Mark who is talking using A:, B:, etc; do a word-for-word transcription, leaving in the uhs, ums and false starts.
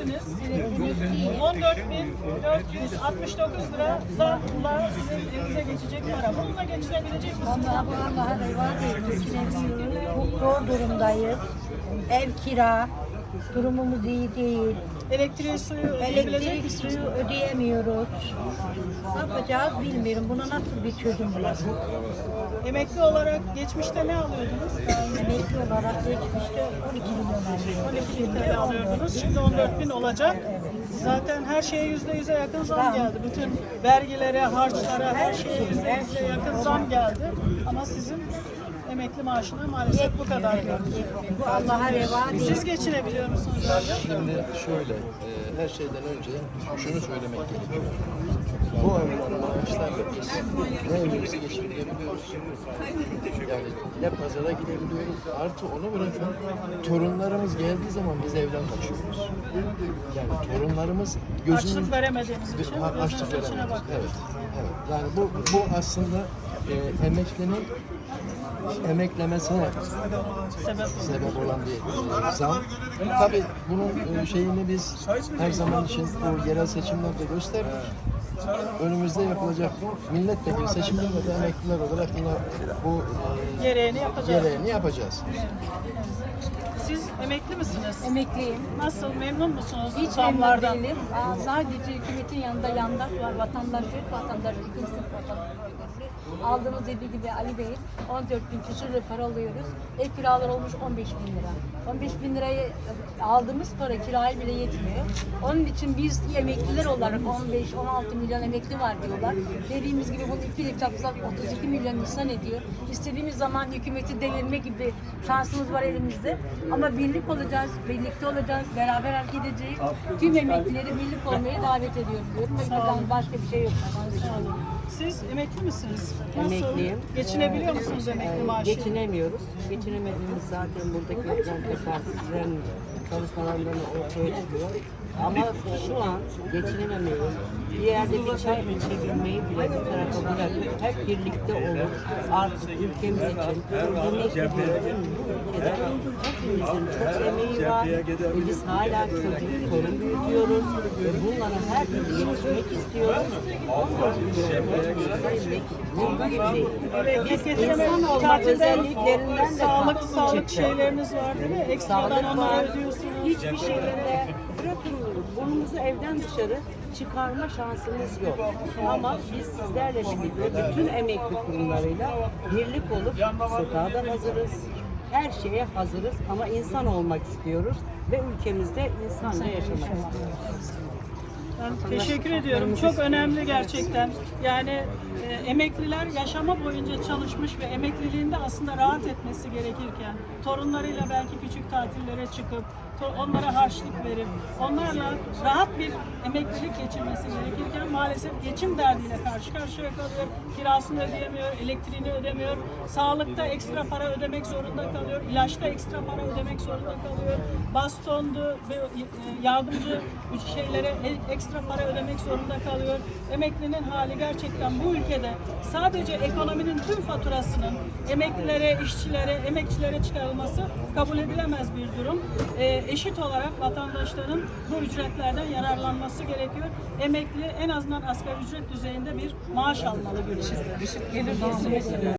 A: emekliniz. on dört bin dört yüz altmış dokuz lira zamla sizin elinize geçecek para. Bununla geçinebilecek misiniz?
B: Vallahi bu Allah'a reva değil. Geçinemiyoruz. Çok zor durumdayız. Ev kira, durumumuz iyi değil.
A: Elektriği, suyu ödeyebilecek
B: Elektrik
A: misiniz?
B: suyu ödeyemiyoruz. Ne yapacağız bilmiyorum. Buna nasıl bir çözüm bulalım?
A: Emekli olarak geçmişte ne alıyordunuz?
B: Emekli olarak geçmişte on iki milyon alıyorduk.
A: on iki bin T L alıyordunuz. Şimdi on dört bin olacak. Zaten her şeye yüzde yüze yakın zam geldi. Bütün vergilere, harçlara, her şeye yüzde yüze yakın zam geldi. Ama sizin emekli maaşına maalesef bu kadar geldi.
B: Bu Allah'a reva değil.
A: Siz geçinebiliyor musunuz abi?
C: Şimdi şöyle, e, her şeyden önce şunu söylemek gerekiyor. Bu alınan maaşlarla biz ne evimizi geçirebiliyoruz, yani ne pazara gidebiliyoruz, artı onu bırakın, torunlarımız geldiği zaman biz evden kaçıyoruz. Yani torunlarımız gözümüz...
A: Açlık veremediğimiz için
C: Ha, açlık
A: gözünüzün içine
C: veremez.
A: bakıyor.
C: Evet, evet. Yani bu, bu aslında e, emeklinin emeklemesine
A: Sebep.
C: sebep olan bir zam. Tabii bunun e, şeyini biz her zaman için bu yerel seçimlerde gösterdik. Önümüzde yapılacak milletvekili seçimlerinde de emekliler olarak yine bu e,
A: Gereğini yapacağız.
C: gereğini yapacağız.
A: Siz emekli misiniz?
D: Emekliyim.
A: Nasıl, memnun musunuz
D: Hiç
A: zamlardan?
D: memnun değilim. Aa, sadece hükümetin yanında yandaş var. Vatandaş yok. Vatandaş ikinci sınıf vatandaş. Aldığımız dediği gibi Ali Bey on dört bin küsur lira para alıyoruz. Ev kiraları olmuş on beş bin lira. on beş bin lirayı aldığımız para kiraya bile yetmiyor. Onun için biz emekliler olarak on beş on altı milyon emekli var diyorlar. Dediğimiz gibi bunu iki yıl çarpsak otuz iki milyon insan ediyor. İstediğimiz zaman hükümeti devirme gibi şansımız var elimizde. Ama birlik olacağız, birlikte olacağız, beraber hareket edeceğiz. Tüm emeklileri birlik olmaya davet ediyorum diyorum. Ve buradan başka bir şey yok.
A: Siz emekli misiniz? Nasıl?
E: Emekliyim.
A: Geçinebiliyor musunuz emekli
E: Ee,
A: maaşı?
E: Geçinemiyoruz. Geçinemediğimiz zaten buradaki yapılan teferruatçıların çalışmalarından ortaya çıkıyor. Ama şu an geçinememeyi, bir yerde bir çay içebilmeyi bile bir tarafa bırakıp hep birlikte olup artık ülkemiz için emeklilerin bu ülkede hepimizin çok emeği var ve biz hala çocuk, torun büyütüyoruz ve bunlara her türlü yetişmek istiyoruz. Ondan
A: Evet,
E: biz
A: getireme
E: insan olma
A: tatilden
E: özelliklerinden de
A: sağlık
E: çıktık.
A: sağlık şeyleriniz var değil mi? Ekstradan
E: Sağlık
A: onları
E: var.
A: ödüyorsunuz.
E: Hiçbir şekilde bırakın burnumuzu evden dışarı çıkarma şansımız yok. Ama biz sizlerle birlikte bütün emekli kurumlarıyla birlik olup sokağa da hazırız. Her şeye hazırız ama insan olmak istiyoruz ve ülkemizde insanla yaşamak istiyoruz.
A: Ben teşekkür ediyorum. Çok önemli gerçekten. Yani e, emekliler yaşama boyunca çalışmış ve emekliliğinde aslında rahat etmesi gerekirken torunlarıyla belki küçük tatillere çıkıp to- onlara harçlık verip onlarla rahat bir emeklilik geçirmesi gerekirken maalesef geçim derdiyle karşı karşıya kalıyor. Kirasını ödeyemiyor, elektriğini ödemiyor, sağlıkta ekstra para ödemek zorunda kalıyor, ilaçta ekstra para ödemek zorunda kalıyor, bastondu ve e, yardımcı şeylere e- ekstra para ödemek zorunda kalıyor. Emeklinin hali gerçekten bu ülkede sadece ekonominin tüm faturasının emeklilere, işçilere, emekçilere çıkarılması kabul edilemez bir durum. E, eşit olarak vatandaşların bu ücretlerden yararlanması gerekiyor. Emekli en azından asgari ücret düzeyinde bir maaş almalı. Düşük gelir